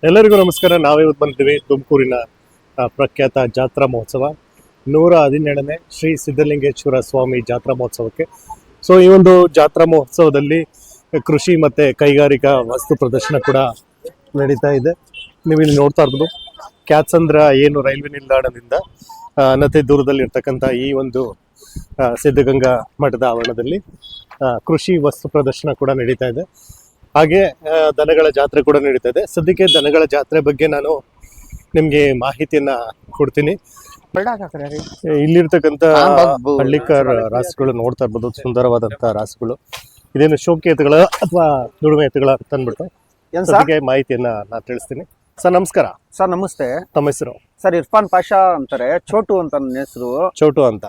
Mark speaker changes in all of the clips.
Speaker 1: ಎಲ್ಲರಿಗೂ ನಮಸ್ಕಾರ. ನಾವಿವತ್ತು ಬಂದಿದ್ದೀವಿ ತುಮಕೂರಿನ ಪ್ರಖ್ಯಾತ ಜಾತ್ರಾ ಮಹೋತ್ಸವ 117ನೇ ಶ್ರೀ ಸಿದ್ಧಲಿಂಗೇಶ್ವರ ಸ್ವಾಮಿ ಜಾತ್ರಾ ಮಹೋತ್ಸವಕ್ಕೆ. ಸೊ ಈ ಒಂದು ಜಾತ್ರಾ ಮಹೋತ್ಸವದಲ್ಲಿ ಕೃಷಿ ಮತ್ತೆ ಕೈಗಾರಿಕಾ ವಸ್ತು ಪ್ರದರ್ಶನ ಕೂಡ ನಡೀತಾ ಇದೆ. ನೀವು ಇಲ್ಲಿ ನೋಡ್ತಾ ಇರ್ಬೋದು ಕ್ಯಾತ್ಸಂದ್ರ ಏನು ರೈಲ್ವೆ ನಿಲ್ದಾಣದಿಂದ ಅನತಿ ದೂರದಲ್ಲಿರ್ತಕ್ಕಂಥ ಈ ಒಂದು ಸಿದ್ಧಗಂಗಾ ಮಠದ ಆವರಣದಲ್ಲಿ ಕೃಷಿ ವಸ್ತು ಪ್ರದರ್ಶನ ಕೂಡ ನಡೀತಾ ಇದೆ. ಹಾಗೆ ದನಗಳ ಜಾತ್ರೆ ಕೂಡ ನಡೀತಾ ಇದೆ. ಸದ್ಯಕ್ಕೆ ದನಗಳ ಜಾತ್ರೆ ಬಗ್ಗೆ ನಾನು ನಿಮ್ಗೆ ಮಾಹಿತಿಯನ್ನ ಕೊಡ್ತೀನಿ. ಇಲ್ಲಿರ್ತಕ್ಕಂಥ ಹಳ್ಳಿಕಾರ್ ರಾಸುಗಳು ನೋಡ್ತಾ ಇರ್ಬೋದು, ಸುಂದರವಾದಂತಹ ರಾಸುಗಳು. ಇದೇನು ಶೋಕಿ ಎತ್ತುಗಳ ಅಥವಾ ದುಡಿಮೆ ಎತ್ತುಗಳ ಅಂತ ಅಂದ್ಬಿಟ್ಟು ಸದ್ಯಕ್ಕೆ ಮಾಹಿತಿಯನ್ನ ನಾನು ತಿಳಿಸ್ತೀನಿ. ಸರ್ ನಮಸ್ಕಾರ.
Speaker 2: ಸರ್ ನಮಸ್ತೆ.
Speaker 1: ತಮ್ಮ ಹೆಸರು?
Speaker 2: ಸರ್ ಇರ್ಫಾನ್ ಪಾಷಾ ಅಂತಾರೆ, ಚೋಟು ಅಂತ ನನ್ನ ಹೆಸರು.
Speaker 1: ಚೋಟು ಅಂತ.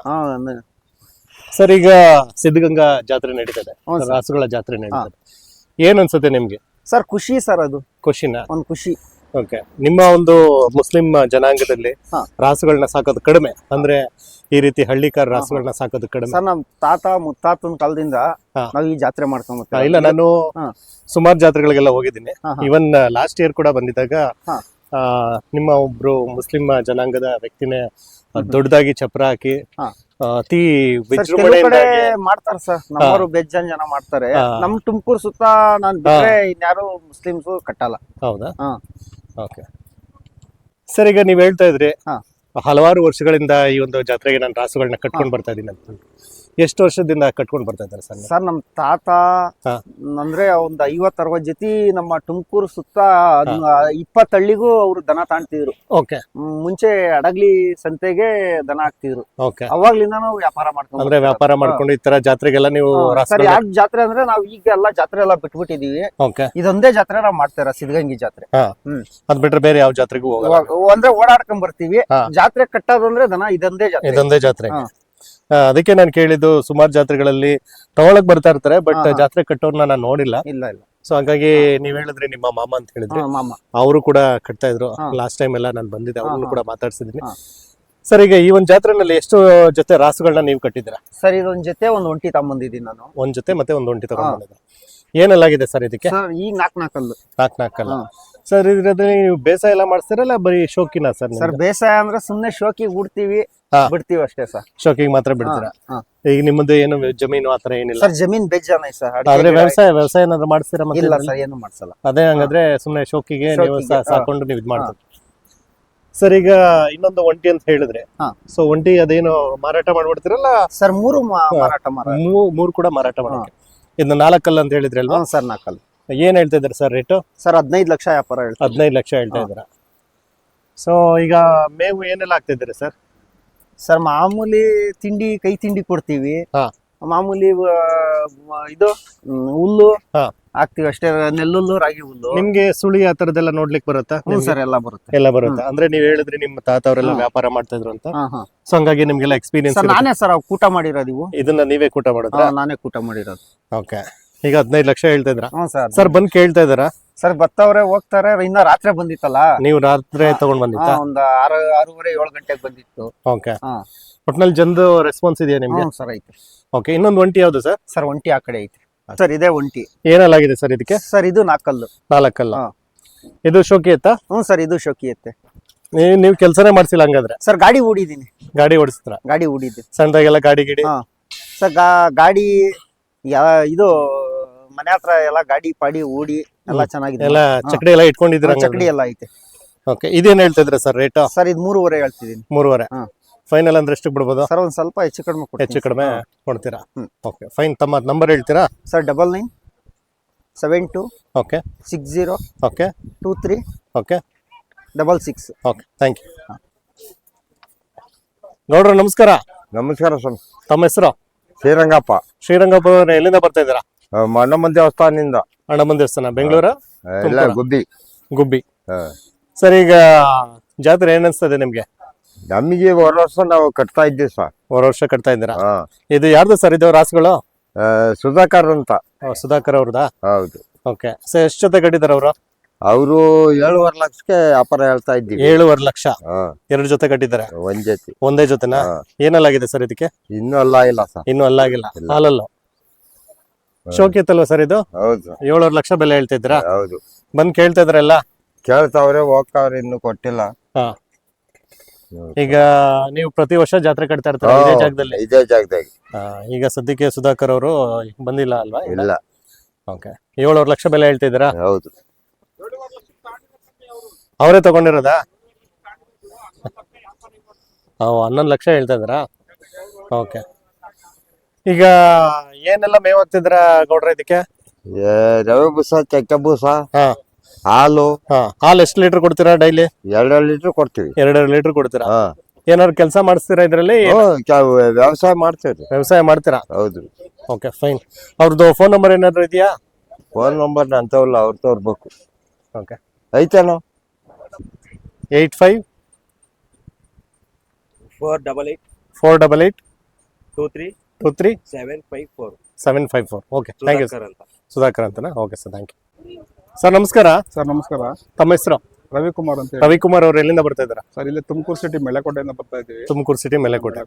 Speaker 1: ಸರ್ ಈಗ ಸಿದ್ಧಗಂಗಾ ಜಾತ್ರೆ ನಡೀತದೆ, ರಾಸುಗಳ ಜಾತ್ರೆ ನಡೀತದೆ. ಏನ್ ಅನ್ಸುತ್ತೆ ನಿಮ್ಗೆ?
Speaker 2: ಸರ್ ಖುಷಿ ಸರ್, ಅದು
Speaker 1: ಖುಷಿನ
Speaker 2: ಒಂದು ಖುಷಿ.
Speaker 1: ಓಕೆ. ನಿಮ್ಮ ಒಂದು ಮುಸ್ಲಿಂ ಜನಾಂಗದಲ್ಲಿ ರಾಸುಗಳನ್ನ ಸಾಕೋದು ಕಡಿಮೆ, ಅಂದ್ರೆ ಈ ರೀತಿ ಹಳ್ಳಿಕಾರ ರಾಸುಗಳನ್ನ ಸಾಕೋದು ಕಡಿಮೆ.
Speaker 2: ಸರ್ ನಮ್ ತಾತ ಮುತ್ತಾತನ ಕಾಲದಿಂದ ನಾವ್ ಈ ಜಾತ್ರೆ ಮಾಡ್ಕೊಂಡ್
Speaker 1: ಇಲ್ಲ, ನಾನು ಸುಮಾರು ಜಾತ್ರೆಗಳಿಗೆಲ್ಲ ಹೋಗಿದ್ದೀನಿ. ಇವನ್ ಲಾಸ್ಟ್ ಇಯರ್ ಕೂಡ ಬಂದಿದ್ದಾಗ ನಿಮ್ಮ ಒಬ್ರು ಮುಸ್ಲಿಂ ಜನಾಂಗದ ವ್ಯಕ್ತಿನೇ ದೊಡ್ಡದಾಗಿ ಚಪ್ರ ಹಾಕಿ ಅತಿ ವಿಜೃಂಭಣೆಯಿಂದ
Speaker 2: ಮಾಡ್ತಾರೆ ಸರ್. ನಮ್ಮವರು ಬೇಜಾನ್ ಜನ ಮಾಡ್ತಾರೆ. ನಮ್ ತುಮಕೂರು ಸುತ್ತ ನಾನ್ ಬಿಟ್ರೆ ಇನ್ಯಾರು ಮುಸ್ಲಿಮ್ಸ್ ಕಟ್ಟಲ್ಲ.
Speaker 1: ಹೌದಾ? ಓಕೆ ಸರ್, ಈಗ ನೀವ್ ಹೇಳ್ತಾ ಇದ್ರಿ ಹಲವಾರು ವರ್ಷಗಳಿಂದ ಈ ಒಂದು ಜಾತ್ರೆಗೆ ನಾನು ರಾಸುಗಳನ್ನ ಕಟ್ಕೊಂಡ್ ಬರ್ತಾ ಇದ್ದೀನಿ ಅಂತ. ಎಷ್ಟು ವರ್ಷದಿಂದ ಕಟ್ಕೊಂಡ್ ಬರ್ತಾ ಇದ್ದಾರೆ ಸರ್?
Speaker 2: ಸರ್ ನಮ್ ತಾತ ಅಂದ್ರೆ ಒಂದ್ 50-60 ಜೊತೆ ನಮ್ಮ ತುಮಕೂರು ಸುತ್ತ 20 ಹಳ್ಳಿಗೂ ಅವ್ರು ದನ ತಾಣ್ತಿದ್ರು.
Speaker 1: ಓಕೆ.
Speaker 2: ಮುಂಚೆ ಅಡಗ್ಲಿ ಸಂತೆಗೆ ದನ ಹಾಕ್ತಿದ್ರು.
Speaker 1: ಓಕೆ.
Speaker 2: ಅವಾಗ್ಲಿಂದ ನಾವು ವ್ಯಾಪಾರ ಮಾಡ್ಕೊಂಡು
Speaker 1: ಅಂದ್ರೆ ವ್ಯಾಪಾರ ಮಾಡ್ಕೊಂಡು ಈ ತರ ಜಾತ್ರೆಗೆಲ್ಲ ನೀವು
Speaker 2: ಸರ್ ಯಾಕೆ ಜಾತ್ರೆ ಅಂದ್ರೆ ನಾವ್ ಈಗ ಎಲ್ಲ ಜಾತ್ರೆ ಎಲ್ಲ ಬಿಟ್ಬಿಟ್ಟಿದೀವಿ.
Speaker 1: ಓಕೆ.
Speaker 2: ಇದೊಂದೇ ಜಾತ್ರೆ ನಾವ್ ಮಾಡ್ತಾರ, ಸಿದ್ಧಗಂಗಿ ಜಾತ್ರೆ.
Speaker 1: ಅದ್ ಬಿಟ್ರೆ ಬೇರೆ ಯಾವ ಜಾತ್ರೆಗೂ ಹೋಗಲ್ಲ?
Speaker 2: ಅಂದ್ರೆ ಓಡಾಡ್ಕೊಂಡ್ ಬರ್ತೀವಿ. ಜಾತ್ರೆ ಕಟ್ಟೋದಂದ್ರೆ ದನ ಇದೊಂದೇ ಜಾತ್ರೆ.
Speaker 1: ಇದೊಂದೇ ಜಾತ್ರೆ. ಅದಕ್ಕೆ ನಾನು ಕೇಳಿದ್ದು, ಸುಮಾರು ಜಾತ್ರೆಗಳಲ್ಲಿ ತಗೊಳಕ್ ಬರ್ತಾ ಇರ್ತಾರೆ, ಬಟ್ ಜಾತ್ರೆ ಕಟ್ಟೋರ್ನ ನಾನು ನೋಡಿಲ್ಲ.
Speaker 2: ಇಲ್ಲ ಇಲ್ಲ.
Speaker 1: ಸೊ ಹಾಗಾಗಿ ನೀವ್ ಹೇಳಿದ್ರಿ ನಿಮ್ಮ ಮಾಮ ಅಂತ ಹೇಳಿದ್ರಿ,
Speaker 2: ಮಾಮ
Speaker 1: ಅವರು ಕೂಡ ಕಟ್ತಾ ಇದ್ರು. ಲಾಸ್ಟ್ ಟೈಮ್ ಎಲ್ಲ ನಾನು ಬಂದಿದ್ದೆ, ಅವ್ರನ್ನು ಕೂಡ ಮಾತಾಡ್ಸಿದೀನಿ. ಸರ್ ಈಗ ಈ ಒಂದ್ ಜಾತ್ರೆನಲ್ಲಿ ಎಷ್ಟು ಜೊತೆ ರಾಸುಗಳನ್ನ ನೀವು ಕಟ್ಟಿದ್ದೀರಾ?
Speaker 2: ಸರ್ ಇದೊಂದ್ ಜೊತೆ ಒಂದ್ ಒಂಟಿ ತಗೊಂಬಂದಿದ್ದೀನಿ ನಾನು.
Speaker 1: ಒಂದ್ ಜೊತೆ ಮತ್ತೆ ಒಂದ್ ಒಂಟಿ ತಗೊಂಡ್ಬಂದಿದ್ದೆ. ಏನೆಲ್ಲಾಗಿದೆ ಸರ್ ಇದಕ್ಕೆ?
Speaker 2: ಈಗ ನಾಲ್ಕಲ್ಲು.
Speaker 1: ನಾಲ್ಕಲ್ಲ. ಸರ್ ಇದ್ರಲ್ಲಿ ನೀವು ಬೇಸಾಯ ಎಲ್ಲ ಮಾಡ್ತೀರಲ್ಲ ಬರೀ ಶೋಕಿನ ಸರ್?
Speaker 2: ಸರ್ ಬೇಸಾಯ ಅಂದ್ರೆ ಸುಮ್ನೆ ಶೋಕಿಗೆ ಉಡ್ತೀವಿ, ಬಿಡ್ತೀವಿ ಅಷ್ಟೇ ಸರ್.
Speaker 1: ಶೋಕಿಗೆ ಮಾತ್ರ ಬಿಡ್ತೀರಾ? ಈಗ ನಿಮ್ಮದು ಏನು ಜಮೀನು ಆತರ ಏನಿಲ್ಲ?
Speaker 2: ಸರ್ ಜಮೀನ್ ಬೇಜಾನ ಸರ್.
Speaker 1: ಆದ್ರೆ ವ್ಯವಸಾಯ ಏನಾದ್ರು ಮಾಡ್ತೀರಾ?
Speaker 2: ಇಲ್ಲ ಸರ್, ಏನು ಮಾಡ್ಸಲ್ಲ.
Speaker 1: ಅದೇ ಹಂಗಾದ್ರೆ ಸುಮ್ನೆ ಶೋಕಿಗೆ ನೀವು ಸಾಕೊಂಡು ನೀವು ಇದ್ ಮಾಡ್ತೀರಿ. ಸರ್ ಈಗ ಇನ್ನೊಂದು ಒಂಟಿ ಅಂತ ಹೇಳಿದ್ರೆ, ಸೊ ಒಂಟಿ ಅದೇನು ಮಾರಾಟ ಮಾಡ್ಬಿಡ್ತೀರಲ್ಲ
Speaker 2: ಸರ್? ಮೂರು
Speaker 1: ಕೂಡ ಮಾರಾಟ ಮಾಡಕ್ಕೆ. ಇನ್ನು 4 ಅಂತ ಹೇಳಿದ್ರಿ ಅಲ್ವಾ
Speaker 2: ಸರ್? 4.
Speaker 1: ಏನ್ ಹೇಳ್ತಾ ಇದ್ದಾರೆ ಸರ್ ರೇಟು?
Speaker 2: ಸರ್ 15 ಲಕ್ಷ ವ್ಯಾಪಾರ ಹೇಳ್ತಾರೆ.
Speaker 1: 15 ಲಕ್ಷ ಹೇಳ್ತಾ ಇದ್ದೀರಾ. ಸೊ ಈಗ ಮೇವು ಏನೆಲ್ಲ ಆಗ್ತಾ ಇದ್ದೀರಿ ಸರ್?
Speaker 2: ಸರ್ ಮಾಮೂಲಿ ತಿಂಡಿ, ಕೈ ತಿಂಡಿ ಕೊಡ್ತೀವಿ. ಮಾಮೂಲಿ ಇದು ಹುಲ್ಲು ಹಾಕ್ತಿವಿ ಅಷ್ಟೇ, ನೆಲ್ಲುಲ್ಲು, ರಾಗಿ ಹುಲ್ಲು.
Speaker 1: ನಿಮ್ಗೆ ಸುಳಿ ಆ ತರದೆಲ್ಲ ನೋಡ್ಲಿಕ್ಕೆ ಬರುತ್ತಾ?
Speaker 2: ಸರ್ ಎಲ್ಲ ಬರುತ್ತೆ.
Speaker 1: ಎಲ್ಲ ಬರುತ್ತೆ. ಅಂದ್ರೆ ನೀವ್ ಹೇಳಿದ್ರಿ ನಿಮ್ಮ ತಾತ ಅವರೆಲ್ಲ ವ್ಯಾಪಾರ ಮಾಡ್ತಾ ಇದ್ರು ಅಂತ, ಸೊ ಹಂಗಾಗಿ ನಿಮ್ಗೆಲ್ಲ ಎಕ್ಸ್ಪೀರಿಯನ್ಸ್.
Speaker 2: ನಾನೇ ಸರ್ ಕೂಟ ಮಾಡಿರೋದು. ಇವು
Speaker 1: ಇದನ್ನ ನೀವೇ ಕೂಟ ಮಾಡಿದ್ರ?
Speaker 2: ನಾನೇ ಕೂಟ ಮಾಡಿರೋದು.
Speaker 1: ಓಕೆ. ಈಗ 15 ಲಕ್ಷ ಹೇಳ್ತಾ ಇದ್ರ
Speaker 2: ಸರ್?
Speaker 1: ಬಂದ್ ಕೇಳ್ತಾ ಇದಾರಾ?
Speaker 2: ಸರ್ ಬರ್ತವ್ರೆ ಹೋಗ್ತಾರೆ. ಇನ್ನ ರಾತ್ರಿ ಬಂದಿತ್ತಲ್ಲ,
Speaker 1: ನೀವು ರಾತ್ರಿ ತಗೊಂಡ್ ಬಂದಿತ್ತ?
Speaker 2: ಒಂದ್ 6:30-7 ಗಂಟೆಗೆ ಬಂದಿತ್ತು.
Speaker 1: ಓಕೆ. ಒಟ್ನಲ್ಲಿ ಜನದು ರೆಸ್ಪಾನ್ಸ್ ಇದೆಯಾ ನಿಮ್ಗೆ?
Speaker 2: ಸರ್ ಐತೆ.
Speaker 1: ಓಕೆ. ಇನ್ನೊಂದು ಒಂಟಿ ಯಾವ್ದು ಸರ್?
Speaker 2: ಸರ್ ಒಂಟಿ ಆ ಕಡೆ ಐತೆ ಸರ್. ಇದೇ ಒಂಟಿ.
Speaker 1: ಏನೆಲ್ಲಾಗಿದೆ ಸರ್ ಇದಕ್ಕೆ?
Speaker 2: ಸರ್ ಇದು 4
Speaker 1: 4. ಇದು ಶೋಕಿ ಎತ್ತ?
Speaker 2: ಸರ್ ಇದು ಶೋಕಿ ಎತ್ತೆ.
Speaker 1: ನೀವು ಕೆಲ್ಸನೇ ಮಾಡ್ಸಿಲ್ಲ ಹಂಗಾದ್ರೆ?
Speaker 2: ಸರ್ ಗಾಡಿ ಹೂಡಿದೀನಿ.
Speaker 1: ಗಾಡಿ ಓಡಿಸ್ತಾರ?
Speaker 2: ಗಾಡಿ ಹೂಡಿದ್ದೀನಿ.
Speaker 1: ಸಣ್ಣದಾಗೆಲ್ಲ ಗಾಡಿ ಗಿಡಿ?
Speaker 2: ಸರ್ ಗಾಡಿ ಇದು ಮನೆ ಹತ್ರ ಎಲ್ಲ ಗಾಡಿ ಪಾಡಿ ಹೂಡಿ ಎಲ್ಲ ಚೆನ್ನಾಗಿದೆ.
Speaker 1: ಎಲ್ಲ ಚಕಡಿ ಎಲ್ಲ ಇಟ್ಕೊಂಡಿದ್ದೀರಾ?
Speaker 2: ಚಕಡಿ ಎಲ್ಲ ಐತೆ.
Speaker 1: ಓಕೆ. ಇದೇನ್ ಹೇಳ್ತಾ ಇದ್ರ ಸರ್ ರೇಟ್?
Speaker 2: ಸರ್ ಇದು 3.5 ಹೇಳ್ತಿದ್ದೀನಿ.
Speaker 1: 3.5. ಫೈನಲ್ ಅಂದ್ರೆ ಎಷ್ಟು ಬಿಡ್ಬೋದು
Speaker 2: ಸರ್? ಒಂದ್ ಸ್ವಲ್ಪ ಹೆಚ್ಚು ಕಡಿಮೆ
Speaker 1: ಕೊಡ್ತೀರಾ? Okay fine. ತಮ್ಮ ನಂಬರ್ ಹೇಳ್ತೀರಾ
Speaker 2: sir? 9972
Speaker 1: okay
Speaker 2: 60
Speaker 1: okay
Speaker 2: 23
Speaker 1: okay
Speaker 2: 66.
Speaker 1: Okay, thank you. ಗೌಡ್ರ ನಮಸ್ಕಾರ.
Speaker 3: ನಮಸ್ಕಾರ ಸರ್.
Speaker 1: ತಮ್ಮ ಹೆಸರು?
Speaker 3: ಶ್ರೀರಂಗಪ್ಪ.
Speaker 1: ಶ್ರೀರಂಗಪ್ಪ ಎಲ್ಲಿಂದ ಬರ್ತಾ ಇದ್ದೀರಾ?
Speaker 3: ಅಣ್ಣಮ್ಮನ ದೇವಸ್ಥಾನದಿಂದ.
Speaker 1: ಅಣ್ಣಮ್ಮನ ದೇವಸ್ಥಾನ ಬೆಂಗಳೂರ? ಗುಬ್ಬಿ. ಸರ್ ಈಗ ಜಾತ್ರೆ ಏನ್ ಅನ್ಸ್ತದೆ ನಿಮ್ಗೆ?
Speaker 3: ನಮಗೆ ವರ್ಷ ನಾವು ಕಟ್ತಾ ಇದ್ದೀವಿ ಸರ್.
Speaker 1: ವರ್ಷ ಕಟ್ತಾ ಇದ್ದೀರಾ? ಇದು ಯಾರ್ದು ಸರ್ ಇದು ರಾಸುಗಳು?
Speaker 3: ಸುಧಾಕರ್ ಅಂತ.
Speaker 1: ಸುಧಾಕರ್ ಅವ್ರದಾ?
Speaker 3: ಹೌದು.
Speaker 1: ಓಕೆ. ಸರ್ ಎಷ್ಟು ಜೊತೆ ಕಟ್ಟಿದಾರ ಅವರು?
Speaker 3: ಅವರು 7.5 ಲಕ್ಷಕ್ಕೆ ವ್ಯಾಪಾರ ಹೇಳ್ತಾ ಇದ್ದೀವಿ.
Speaker 1: 7.5 ಲಕ್ಷ. 2 ಜೊತೆ ಕಟ್ಟಿದ್ದಾರೆ? ಒಂದೇ ಜೊತೆನಾ? ಏನೆಲ್ಲಾಗಿದೆ ಸರ್ ಇದಕ್ಕೆ?
Speaker 3: ಇನ್ನೂ ಅಲ್ಲಾಗಿಲ್ಲ ಸರ್.
Speaker 1: ಇನ್ನೂ ಅಲ್ಲಾಗಿಲ್ಲ. ಹಾಲಲ್ಲು ಶೋಕಿ ಇತ್ತಲ್ವಾ ಸರ್ ಇದು?
Speaker 3: ಹೌದು.
Speaker 1: 7.5 ಲಕ್ಷ ಬೆಲೆ ಹೇಳ್ತಾ ಇದ್ರಾ?
Speaker 3: ಹೌದು.
Speaker 1: ಬಂದ್ ಕೇಳ್ತಾ ಇದ್ರಲ್ಲ?
Speaker 3: ಕೇಳ್ತಾವ್ರೆ ಹೋಗ್ತಾವ್ರೆ ಇನ್ನು ಕೊಟ್ಟಿಲ್ಲ.
Speaker 1: ಹಾ. ಈಗ ನೀವು ಪ್ರತಿ ವರ್ಷ ಜಾತ್ರೆ ಕಟ್ತಾ ಇರ್ತಾರೆ ಇದೇ ಜಾಗದಲ್ಲಿ?
Speaker 3: ಇದೇ ಜಾಗದಾಗ.
Speaker 1: ಈಗ ಸದ್ಯಕ್ಕೆ ಸುಧಾಕರ್ ಅವರು ಬಂದಿಲ್ಲ ಅಲ್ವಾ?
Speaker 3: ಇಲ್ಲ.
Speaker 1: ಓಕೆ. 7 ಲಕ್ಷ ಬೆಲೆ ಹೇಳ್ತಿದ್ದೀರಾ?
Speaker 3: ಹೌದು.
Speaker 1: ಅವರೇ ತಗೊಂಡಿರೋದಾ? 11 ಲಕ್ಷ ಹೇಳ್ತಾ ಇದ್ದೀರಾ? ಓಕೆ. ಈಗ ಏನೆಲ್ಲ ಮೇವ್ ಹಾಕ್ತಿದ್ರ ಗೌಡ್ರ ಇದಕ್ಕೆ?
Speaker 3: ರವೆ ಬೂಸ, ಚಕ್ಕೆ ಬೂಸ,
Speaker 1: ಹಾ,
Speaker 3: ಹಾಲು.
Speaker 1: ಹಾಲು ಎಷ್ಟು ಲೀಟರ್ ಕೊಡ್ತೀರಾ ಡೈಲಿ?
Speaker 3: 2 ಲೀಟರ್ ಕೊಡ್ತೀವಿ.
Speaker 1: 2 ಲೀಟರ್ ಕೊಡ್ತೀರಾ?
Speaker 3: ಹಾ.
Speaker 1: ಏನಾದ್ರು ಕೆಲಸ ಮಾಡಿಸ್ತೀರಾ ಇದ್ರಲ್ಲಿ?
Speaker 3: ವ್ಯವಸಾಯ ಮಾಡ್ತೀವಿ.
Speaker 1: ವ್ಯವಸಾಯ ಮಾಡ್ತೀರಾ?
Speaker 3: ಹೌದು.
Speaker 1: Okay, fine. ಅವ್ರದ್ದು ಫೋನ್ ನಂಬರ್ ಏನಾದ್ರು ಇದೆಯಾ?
Speaker 3: ಫೋನ್ ನಂಬರ್ ಅಂತವಲ್ಲ, ಅವ್ರು ತೋರ್ಬೇಕು.
Speaker 1: ಓಕೆ.
Speaker 3: ಐತೇನೋ?
Speaker 1: 85
Speaker 4: 488
Speaker 1: 488
Speaker 4: 23
Speaker 1: 23
Speaker 4: 754
Speaker 1: 754. Okay, thank you sir.
Speaker 4: ಅಂತ.
Speaker 1: ಸುಧಾಕರ್ ಅಂತನಾ? Okay sir, thank you sir. ನಮಸ್ಕಾರ
Speaker 5: ಸರ್. ನಮಸ್ಕಾರ.
Speaker 1: ತಮ್ಮ ಹೆಸರು?
Speaker 5: ರವಿಕುಮಾರ್ ಅಂತ ಹೇಳಿ.
Speaker 1: ರವಿಕುಮಾರ್ ಅವರು ಎಲ್ಲಿಂದ ಬರ್ತಾ ಇದ್ದೀರಾ?
Speaker 5: ಸರ್, ಇಲ್ಲಿ ತುಮಕೂರು ಸಿಟಿ ಮೆಳೆಕೋಟೆಯಿಂದ ಬರ್ತಾ ಇದ್ದೀವಿ.
Speaker 1: ತುಮಕೂರು ಸಿಟಿ ಮೇಲೆಕೋಟೆ.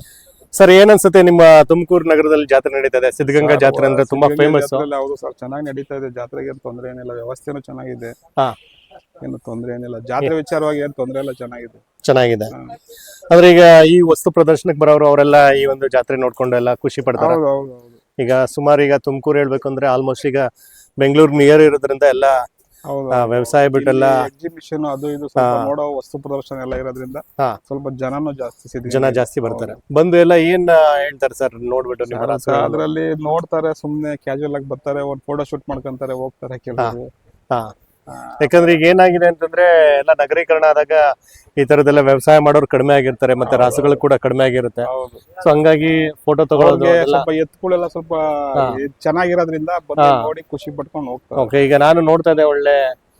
Speaker 1: ಸರ್, ಏನನ್ಸುತ್ತೆ ನಿಮ್ಮ ತುಮಕೂರು ನಗರದಲ್ಲಿ ಜಾತ್ರೆ ನಡೀತಾ ಇದೆ? ಸಿದ್ಧಗಂಗಾ ಜಾತ್ರೆ ಅಂದ್ರೆ ತುಂಬಾ ಫೇಮಸ್.
Speaker 5: ಹೌದು ಸರ್, ಚೆನ್ನಾಗಿ ನಡೀತಾ ಇದೆ. ಜಾತ್ರೆಗೆ ಏನು ತೊಂದರೆ ಏನಿಲ್ಲ, ವ್ಯವಸ್ಥೆನೂ ಚೆನ್ನಾಗಿದೆ.
Speaker 1: ಹಾ.
Speaker 5: ಏನು ತೊಂದರೆ ಏನಿಲ್ಲ, ಜಾತ್ರೆ ವಿಚಾರವಾಗಿ ಏನು ತೊಂದರೆ ಇಲ್ಲ, ಚೆನ್ನಾಗಿದೆ.
Speaker 1: ಚೆನ್ನಾಗಿದೆ. ಅಂದ್ರೆ ಈಗ ಈ ವಸ್ತು ಪ್ರದರ್ಶನಕ್ಕೆ ಬರೋರು ಅವರೆಲ್ಲ ಈ ಒಂದು ಜಾತ್ರೆ ನೋಡ್ಕೊಂಡು ಎಲ್ಲ ಖುಷಿ ಪಡ್ತಾರೆ.
Speaker 5: ಹೌದು ಹೌದು ಹೌದು
Speaker 1: ಈಗ ಸುಮಾರು ಈಗ ತುಮಕೂರು ಹೇಳ್ಬೇಕು ಅಂದ್ರೆ ಆಲ್ಮೋಸ್ಟ್ ಈಗ ಬೆಂಗಳೂರು ನಿಯರ್ ಇರೋದ್ರಿಂದ ಎಲ್ಲ
Speaker 5: ಹೌದು.
Speaker 1: ವ್ಯವಸಾಯ ಬಿಟ್ಟೆಲ್ಲ
Speaker 5: ಎಕ್ಸಿಬಿಷನ್ ಅದು ಇದು ಸ್ವಲ್ಪ ನೋಡೋ ವಸ್ತು ಪ್ರದರ್ಶನ ಎಲ್ಲ ಇರೋದ್ರಿಂದ
Speaker 1: ಹಾ.
Speaker 5: ಸ್ವಲ್ಪ ಜನನೂ ಜಾಸ್ತಿ ಸಿದ್ಧಗಂಗೆ.
Speaker 1: ಜನ ಜಾಸ್ತಿ ಬರ್ತಾರೆ. ಬಂದು ಎಲ್ಲ ಏನ್ ಹೇಳ್ತಾರೆ ಸರ್ ನೋಡ್ಬಿಟ್ಟು ನಿಮ್ಮ ರಾಸುಗಳನ್ನ?
Speaker 5: ಅದ್ರಲ್ಲಿ ನೋಡ್ತಾರೆ, ಸುಮ್ನೆ ಕ್ಯಾಶುವಲ್ ಆಗಿ ಬರ್ತಾರೆ, ಒಂದು ಫೋಟೋ ಶೂಟ್ ಮಾಡ್ಕೊಂತಾರೆ, ಹೋಗ್ತಾರೆ ಕೆಲವರು.
Speaker 1: ಹಾ. ಯಾಕಂದ್ರೆ ಈಗ ಏನಾಗಿದೆ ಅಂತಂದ್ರೆ ಎಲ್ಲ ನಗರೀಕರಣ ಆದಾಗ ಈ ತರದೆಲ್ಲ ವ್ಯವಸಾಯ ಮಾಡೋರು ಕಡಿಮೆ ಆಗಿರ್ತಾರೆ, ಮತ್ತೆ ರಾಸುಗಳು ಕೂಡ ಕಡಿಮೆ ಆಗಿರುತ್ತೆ.
Speaker 5: ಹೌದು.
Speaker 1: ಸೊ ಹಂಗಾಗಿ ಫೋಟೋ ತಗೊಳ್ಳೋದು
Speaker 5: ಅವ್ರಿಗೆ
Speaker 1: ಎಲ್ಲ.
Speaker 5: ಸ್ವಲ್ಪ ಎತ್ತುಗಳೆಲ್ಲ ಸ್ವಲ್ಪ ಚೆನ್ನಾಗಿರೋದ್ರಿಂದ ಬಂದು ನೋಡಿ ಖುಷಿ ಪಟ್ಕೊಂಡು ಹೋಗ್ತಾರೆ.
Speaker 1: ಓಕೆ. ಈಗ ನಾನು ನೋಡ್ತಾ ಇದ್ದೆ, ಒಳ್ಳೆ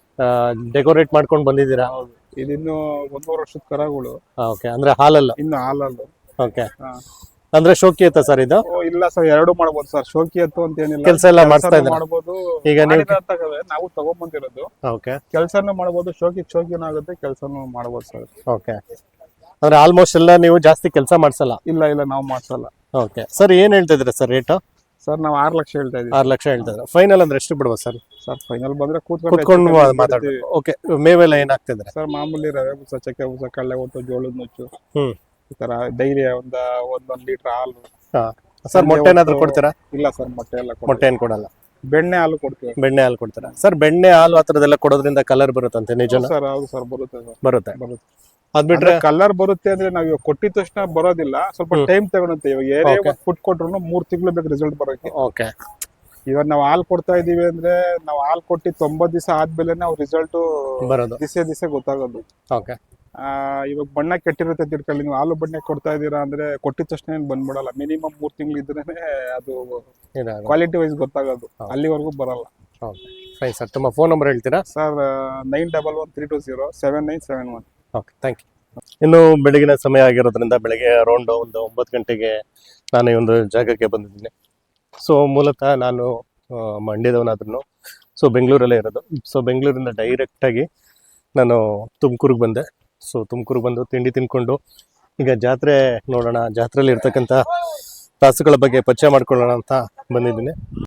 Speaker 1: ಡೆಕೋರೇಟ್ ಮಾಡ್ಕೊಂಡು ಬಂದಿದ್ದೀರಾ.
Speaker 5: ಇದಿನ್ನು 1.5 ವರ್ಷದ ಕರಗಳು.
Speaker 1: ಓಕೆ. ಅಂದ್ರೆ ಹಾಲಲ್ಲ?
Speaker 5: ಇನ್ನು ಹಾಲಲ್ಲು.
Speaker 1: ಓಕೆ. ಅಂದ್ರೆ ಶೋಕಿ ಐತಾ ಸರ್ ಇದು?
Speaker 5: ಇಲ್ಲ ಸರ್, ಎರಡು ಮಾಡ್ಬೋದು ಸರ್. ಶೋಕಿ ಎತ್ತು ಅಂತ ಏನಿಲ್ಲ,
Speaker 1: ಕೆಲ್ಸ ಎಲ್ಲ ಮಾಡಿಸ್ತಾ ಇದ್ದೀರಾ?
Speaker 5: ಮಾಡ್ಬೋದು.
Speaker 1: ಈಗ ನೀವು
Speaker 5: ನಾವು ತಗೊಂಡ್ಬಂದಿರೋದು.
Speaker 1: ಓಕೆ.
Speaker 5: ಕೆಲ್ಸನೂ ಮಾಡ್ಬೋದು, ಶೋಕಿನೂ ಆಗುತ್ತೆ, ಕೆಲ್ಸನೂ ಮಾಡ್ಬೋದು ಸರ್.
Speaker 1: ಓಕೆ. ಅಂದ್ರೆ ಆಲ್ಮೋಸ್ಟ್ ಎಲ್ಲ ನೀವು ಜಾಸ್ತಿ ಕೆಲಸ ಮಾಡ್ಸಲ್ಲ?
Speaker 5: ಇಲ್ಲ ಇಲ್ಲ, ನಾವು ಮಾಡ್ಸಲ್ಲ.
Speaker 1: Okay sir. ಏನ್ ಹೇಳ್ತಾ ಇದ್ದೀರಾ ಸರ್ ರೇಟ್?
Speaker 5: ಸರ್, ನಾವು 6 ಲಕ್ಷ ಹೇಳ್ತಾ ಇದೀವಿ.
Speaker 1: 6 ಲಕ್ಷ ಹೇಳ್ತಾ ಇದ್ದೀರಾ. ಫೈನಲ್ ಅಂದ್ರೆ ಎಷ್ಟು ಬಿಡ್ಬೋದು ಸರ್?
Speaker 5: ಸರ್, ಫೈನಲ್ ಬಂದ್ರೆ
Speaker 1: ಕೂತ್ಕೊಂಡು ಮಾತಾಡ್ತೀವಿ. ಓಕೆ. ಮೇವೆಲ್ಲ ಏನ್ ಹಾಕ್ತಿದ್ರೆ?
Speaker 5: ಸರ್, ಮಾಮೂಲಿ ರವೆ ಬೂಸ, ಚಕ್ಕೆ ಬೂಸ, ಕಳ್ಳೆ ಒಟ್ಟು, ಜೋಳದ ನುಚ್ಚು,
Speaker 1: ಹ್ಮ್.
Speaker 5: ಈ ತರ ಡೈರಿ ಒಂದೊಂದು ಲೀಟರ್ ಹಾಲು.
Speaker 1: ಸರ್, ಮೊಟ್ಟೆ ಏನಾದ್ರು ಕೊಡ್ತೀರಾ?
Speaker 5: ಇಲ್ಲ ಸರ್, ಮೊಟ್ಟೆ ಎಲ್ಲ
Speaker 1: ಮೊಟ್ಟೆ ಏನ್ ಕೊಡಲ್ಲ.
Speaker 5: ಬೆಣ್ಣೆ ಹಾಲು ಕೊಡ್ತೀವಿ.
Speaker 1: ಬೆಣ್ಣೆ ಹಾಲು ಕೊಡ್ತೀರಾ? ಸರ್, ಬೆಣ್ಣೆ ಹಾಲು ಆ ಥರದ್ದೆಲ್ಲ ಕೊಡೋದ್ರಿಂದ ಕಲರ್ ಬರುತ್ತಂತೆ, ನಿಜನಾ?
Speaker 5: ಸರ್, ಹೌದು ಸರ್, ಬರುತ್ತೆ ಸರ್,
Speaker 1: ಬರುತ್ತೆ.
Speaker 5: ಬರುತ್ತೆ.
Speaker 1: ಅದ್ ಬಿಟ್ರೆ
Speaker 5: ಕಲರ್ ಬರುತ್ತೆ ಅಂದ್ರೆ ನಾವು ಇವಾಗ ಕೊಟ್ಟಿದ ತಕ್ಷಣ ಬರೋದಿಲ್ಲ, ಸ್ವಲ್ಪ ಟೈಮ್ ತಗೊಳುತ್ತೆ. ಇವಾಗ ಏನೇ ಫುಡ್ ಕೊಟ್ರು 3 ತಿಂಗಳು ಬೇಕು ರಿಸಲ್ಟ್ ಬರೋಕೆ.
Speaker 1: ಓಕೆ.
Speaker 5: ಇವಾಗ ನಾವು ಹಾಲು ಕೊಡ್ತಾ ಇದೀವಿ ಅಂದ್ರೆ ನಾವು ಹಾಲು ಕೊಟ್ಟು 90 ದಿವಸ ಆದ್ಮೇಲೆ ನಾವು ರಿಸಲ್ಟ್
Speaker 1: ಬರೋದು
Speaker 5: ದಿಸೆ ಗೊತ್ತಾಗೋದು.
Speaker 1: ಓಕೆ.
Speaker 5: ಇವಾಗ ಬಣ್ಣ ಕೆಟ್ಟಿರುತ್ತೆ ತಿಳ್ಕೊಳ್ಳಿ, ನೀವು ಹಾಲು ಬಣ್ಣ ಕೊಡ್ತಾ ಇದೀರಾ ಅಂದ್ರೆ ಕೊಟ್ಟಿದ ತಕ್ಷಣ ಏನ್ ಬಂದ್ಬಿಡಲ್ಲ. ಮಿನಿಮಮ್ 3 ತಿಂಗಳು ಇದ್ರೇನೆ ಅದು ಕ್ವಾಲಿಟಿ ವೈಸ್ ಗೊತ್ತಾಗೋದು, ಅಲ್ಲಿವರೆಗೂ ಬರಲ್ಲ.
Speaker 1: Fine sir. ತುಂಬ ಫೋನ್ ನಂಬರ್ ಹೇಳ್ತೀರಾ?
Speaker 5: ಸರ್, 9113207971.
Speaker 1: Okay, thank you. ಇನ್ನು ಬೆಳಗಿನ ಸಮಯ ಆಗಿರೋದ್ರಿಂದ ಬೆಳಗ್ಗೆ ಅರೌಂಡ್ ಒಂದು 9 ಗಂಟೆಗೆ ನಾನು ಈ ಒಂದು ಜಾಗಕ್ಕೆ ಬಂದಿದ್ದೀನಿ. ಸೊ ಮೂಲತಃ ನಾನು ಮಂಡ್ಯದವನಾದ್ರೂ ಸೊ ಬೆಂಗಳೂರಲ್ಲೇ ಇರೋದು. ಸೊ ಬೆಂಗಳೂರಿಂದ ಡೈರೆಕ್ಟಾಗಿ ನಾನು ತುಮಕೂರಿಗೆ ಬಂದೆ. ಸೊ ತುಮಕೂರಿಗೆ ಬಂದು ತಿಂಡಿ ತಿನ್ಕೊಂಡು ಈಗ ಜಾತ್ರೆ ನೋಡೋಣ, ಜಾತ್ರೆಯಲ್ಲಿ ಇರ್ತಕ್ಕಂಥ ರಾಸುಗಳ ಬಗ್ಗೆ ಪರಿಚಯ ಮಾಡ್ಕೊಳ್ಳೋಣ ಅಂತ ಬಂದಿದ್ದೀನಿ.